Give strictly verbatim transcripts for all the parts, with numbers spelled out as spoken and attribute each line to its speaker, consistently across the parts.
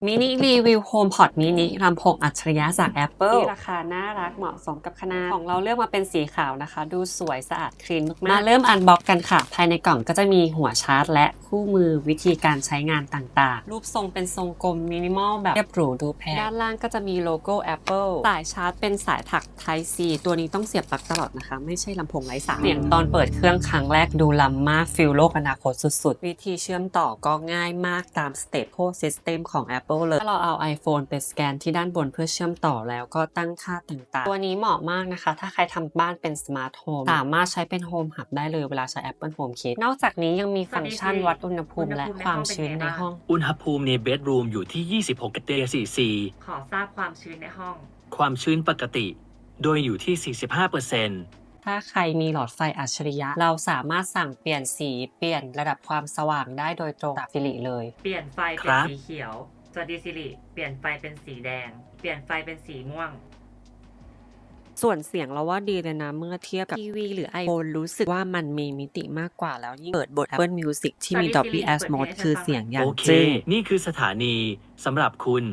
Speaker 1: มินิรีวิวโฮมพอดมินิลำโพงอัจฉริยะจาก Apple ที่ราคาน่ารักเหมาะสมกับขนาดของเราเลือกมาเป็นสีขาวนะคะดูสวยสะอาดคลีนมากๆมาเริ่มอันบ็อกกันค่ะภายในกล่องก็จะมีหัวชาร์จและคู่มือวิธีการใช้งานต่างๆรูปทรงเป็นทรงกลมมินิมอลแบบเรียบหรูดูแพงด้านล่างก็จะมีโลโก้ Apple สายชาร์จเป็นสายถัก Type C ตัวนี้ต้องเสียบปลั๊กตลอดนะคะไม่ใช่ลำโพงไร้สายเสียงตอนเปิดเครื่องครั้งแรกดูล้ำมากฟิลโลกอนาคตสุดๆวิธีเชื่อมต่อก็ง่ายมากตาม Stateful System ของ Apple เลยถ้าเราเอา iPhone ไปสแกนที่ด้านบนเพื่อเชื่อมต่อแล้วก็ตั้งค่าต่างๆตัวนี้เหมาะมากนะคะถ้าใครทำบ้านเป็น Smart Home สามารถใช้เป็น Home Hub ได้เลยเวลาใช้ Apple HomeKit นอกจากนี้ยังมีฟังก์ชันวัดอุณหภูมิและความชื้นในห้อง
Speaker 2: อุณหภูมิในเบดรูมอยู่ที่ ยี่สิบหก องศาเซลเซียส
Speaker 3: ขอทราบความชื้นในห้อง
Speaker 2: ความชื้นปกติ โดยอยู่ที่ สี่สิบห้าเปอร์เซ็นต์
Speaker 1: ถ้าใครมีหลอดไฟอัจฉริยะเราสามารถสั่งเปลี่ยนสีเปลี่ยนระดับความสว่างได้โดยตรงจากสิริเลย
Speaker 3: เปลี่ยนไฟเป็นสีเขียวสวัสดีสิริเปลี่ยนไฟเป็นสีแดงเปลี่ยนไฟเป็นสีม่วง
Speaker 1: ส่วนเสียงเราว่าดีเลยนะเมื่อเทียบกับทีวีหรือ iPhone รู้สึกว่ามันมีมิติมากกว่าแล้วยิ่งเปิดบท Apple Music ที่มี Dolby Atmos คือเสียงอย่าง
Speaker 2: โอเค
Speaker 1: จึ้ง
Speaker 2: นี่คือสถานีสำหรับคุณ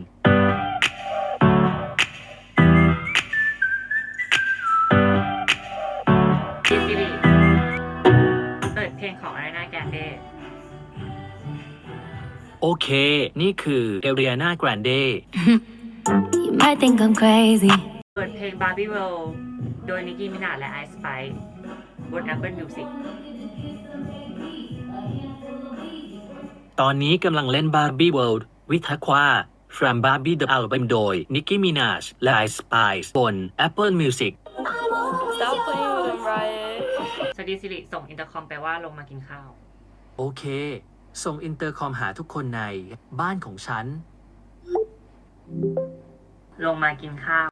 Speaker 3: สิริเปิดเพลงของ Ariana Grande
Speaker 2: โอเค นี่คือ Ariana Grande
Speaker 4: You might think I'm crazy
Speaker 3: เปิดเพลง Barbie World โดย Nicki Minaj และ Ice Spice บน Apple Music
Speaker 2: ตอนนี้กำลังเล่น Barbie World วิทควา From Barbie the Album โดย Nicki Minaj และ Ice Spice บน Apple Music
Speaker 4: Stop playing with him, Riot
Speaker 3: สวัสดีสิริส่งอินเตอร์คอมไปว่าลงมากินข้าว
Speaker 2: โอเค ส่งอินเตอร์คอมหาทุกคนในบ้านของฉัน
Speaker 3: ลงมากินข้าว